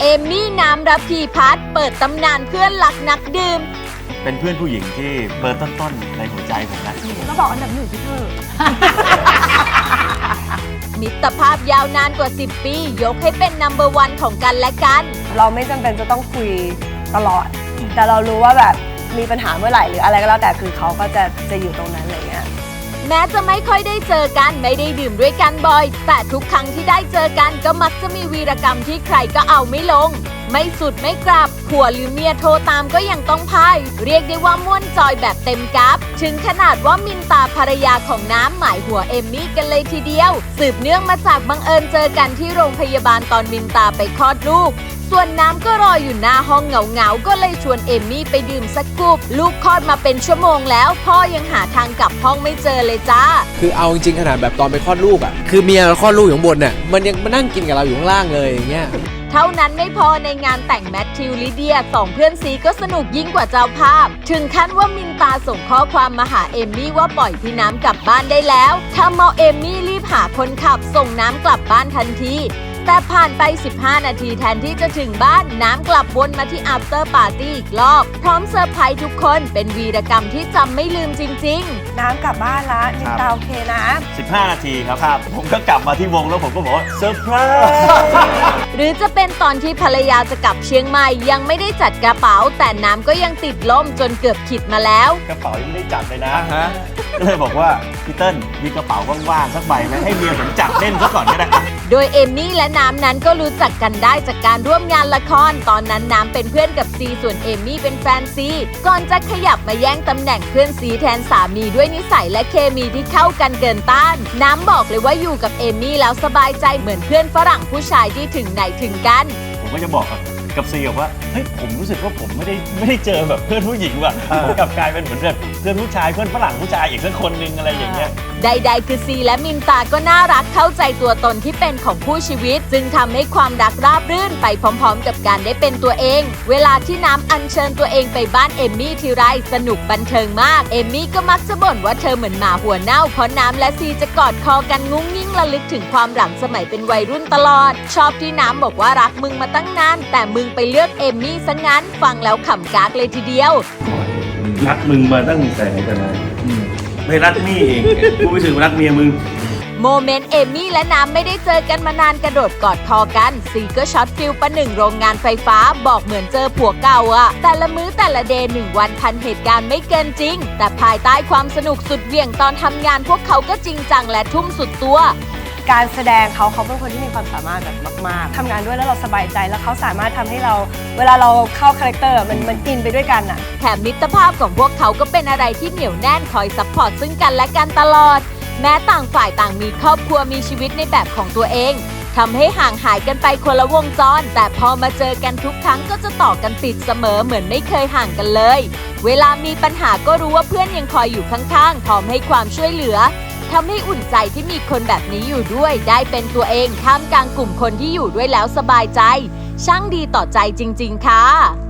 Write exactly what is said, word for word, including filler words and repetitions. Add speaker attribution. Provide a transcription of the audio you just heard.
Speaker 1: เอมมี่น้ำระพีพัฒน์เปิดตำนานเพื่อนหลักนักดื่ม
Speaker 2: เป็นเพื่อนผู้หญิงที่เบอร์ต้นๆในหัวใจผมนะ
Speaker 3: ก็บอกอันดับหนึ่งที่เธอ
Speaker 1: มิตรภาพยาวนานกว่าสิบปียกให้เป็นนัมเบอร์วันของกันและกัน
Speaker 3: เราไม่จำเป็นจะต้องคุยตลอดแต่เรารู้ว่าแบบมีปัญหาเมื่อไหร่หรืออะไรก็แล้วแต่คือเขาก็จะจะอยู่ตรงนั้นอะไรเงี้ย
Speaker 1: แม้จะไม่ค่อยได้เจอกันไม่ได้ดื่มด้วยกันบ่อยแต่ทุกครั้งที่ได้เจอกันก็มักจะมีวีรกรรมที่ใครก็เอาไม่ลงไม่สุดไม่กลับผัวหรือเมียโทรตามก็ยังต้องพายเรียกได้ว่าม่วนจอยแบบเต็มกราฟถึงขนาดว่ามินตาภรรยาของน้ำหมายหัวเอมมี่กันเลยทีเดียวสืบเนื่องมาจากบังเอิญเจอกันที่โรงพยาบาลตอนมินตาไปคลอดลูกส่วนน้ำก็รออยู่หน้าห้องเหงาๆก็เลยชวนเอมมี่ไปดื่มสักกุบลูกคลอดมาเป็นชั่วโมงแล้วพ่อยังหาทางกลับห้องไม่เจอเลยจ้า
Speaker 4: คือเอาจริงๆขนาดแบบตอนไปคลอดลูกอ่ะคือเมียเราคลอดลูกอยู่ข้างบนเนี่ยมันยังมานั่งกินกับเราอยู่ข้างล่างเลยอย่างเงี้ย
Speaker 1: เท่านั้นไม่พอในงานแต่งแมทธิวลิเดียสองเพื่อนซีก็สนุกยิ่งกว่าเจ้าภาพถึงขั้นว่ามินตาส่งข้อความมาหาเอมมี่ว่าปล่อยพี่น้ำกลับบ้านได้แล้วทำเอาเอมมี่รีบหาคนขับส่งน้ำกลับบ้านทันทีแต่ผ่านไปสิบห้านาทีแทนที่จะถึงบ้านน้ำกลับวนมาที่ after party อีกรอบพร้อมเซอร์ไพรส์ทุกคนเป็นวีรกรรมที่จำไม่ลืมจริง
Speaker 3: ๆน้ำกลับบ้านละมินตาโอเคนะ
Speaker 2: สิบห้านาทีครับครับผมก็กลับมาที่วงแล้วผมก็บอกว่าเซอร์ไพรส์
Speaker 1: หรือจะเป็นตอนที่ภรรยาจะกลับเชียงใหม่ยังไม่ได้จัดกระเป๋าแต่น้ำก็ยังติดล่มจนเกือบขิดมาแล้ว
Speaker 2: กระเป๋ายังไม่ได้จัดเลยนะก็เลยบอกว่าพี่เติ้ลมีกระเป๋าว่างๆสักใบไหมให้เมียผมจับเล่นซะก่อนก็ได้
Speaker 1: โดยเอมมี่และน้ำนั้นก็รู้จักกันได้จากการร่วมงานละครตอนนั้นน้ำเป็นเพื่อนกับซีส่วนเอมมี่เป็นแฟนซีก่อนจะขยับมาแย่งตำแหน่งเพื่อนซีแทนสามีด้วยนิสัยและเคมีที่เข้ากันเกินต้านน้ำบอกเลยว่าอยู่กับเอมมี่แล้วสบายใจเหมือนเพื่อนฝรั่งผู้ชายที่ถึงไหนถึงกัน
Speaker 2: ผมก็จะบอกกับซีว่าเฮ้ยผมรู้สึกว่าผมไม่ได้ไม่ได้เจอแบบเพื่อนผู้หญิงว่ะผมกลับกลายเป็นเหมือนแบบเพื่อนผู้ชายเพื่อนฝรั่งผู้ชายอีกสักคนนึงอะไรอย่างเงี้ย
Speaker 1: ใดๆคือซีและมินตาก็น่ารักเข้าใจตัวตนที่เป็นของผู้ชีวิตจึงทำให้ความรักราบรื่นไปพร้อมๆกับการได้เป็นตัวเองเวลาที่น้ำอัญเชิญตัวเองไปบ้านเอมมี่ทีไรสนุกบันเทิงมากเอมมี่ก็มักจะบ่นว่าเธอเหมือนหมาหัวเน่าเพราะน้ำและซีจะกอดคอกันงุ้งยิ่งระลึกถึงความหลังสมัยเป็นวัยรุ่นตลอดชอบที่น้ำบอกว่ารักมึงมาตั้งนานแต่มึงไปเลือกเอมมี่ซะงั้นฟังแล้วขำกากเลยทีเดียว
Speaker 2: รักมึงมาตั้งแต่ไหนแต่ไรไม่รักนี่เองกูไปถึงรักเมียมึง
Speaker 1: โมเมนต์เอมมี่และน้ำไม่ได้เจอกันมานานกระโดดกอดคอกันซีก็ช็อตฟิลประหนึ่งโรงงานไฟฟ้าบอกเหมือนเจอผัวเก่าอะแต่ละมื้อแต่ละเดย์หนึ่งวันพันเหตุการณ์ไม่เกินจริงแต่ภายใต้ความสนุกสุดเหวี่ยงตอนทำงานพวกเขาก็จริงจังและทุ่มสุดตัว
Speaker 3: การแสดงเขาเขาเป็นคนที่มีความสามารถแบบมากๆทำงานด้วยแล้วเราสบายใจแล้วเขาสามารถทำให้เราเวลาเราเข้าคาแรคเตอร์มันมันอินไปด้วยกันอะ
Speaker 1: แถมมิตรภาพของพวกเขาก็เป็นอะไรที่เหนียวแน่นคอยซัพพอร์ตซึ่งกันและกันตลอดแม้ต่างฝ่ายต่างมีครอบครัวมีชีวิตในแบบของตัวเองทำให้ห่างหายกันไปคนละวงจรแต่พอมาเจอกันทุกครั้งก็จะต่อกันติดเสมอเหมือนไม่เคยห่างกันเลยเวลามีปัญหาก็รู้ว่าเพื่อนยังคอยอยู่ข้างๆพร้อมให้ความช่วยเหลือทำให้อุ่นใจที่มีคนแบบนี้อยู่ด้วยได้เป็นตัวเองท่ามกลางกลุ่มคนที่อยู่ด้วยแล้วสบายใจช่างดีต่อใจจริงๆค่ะ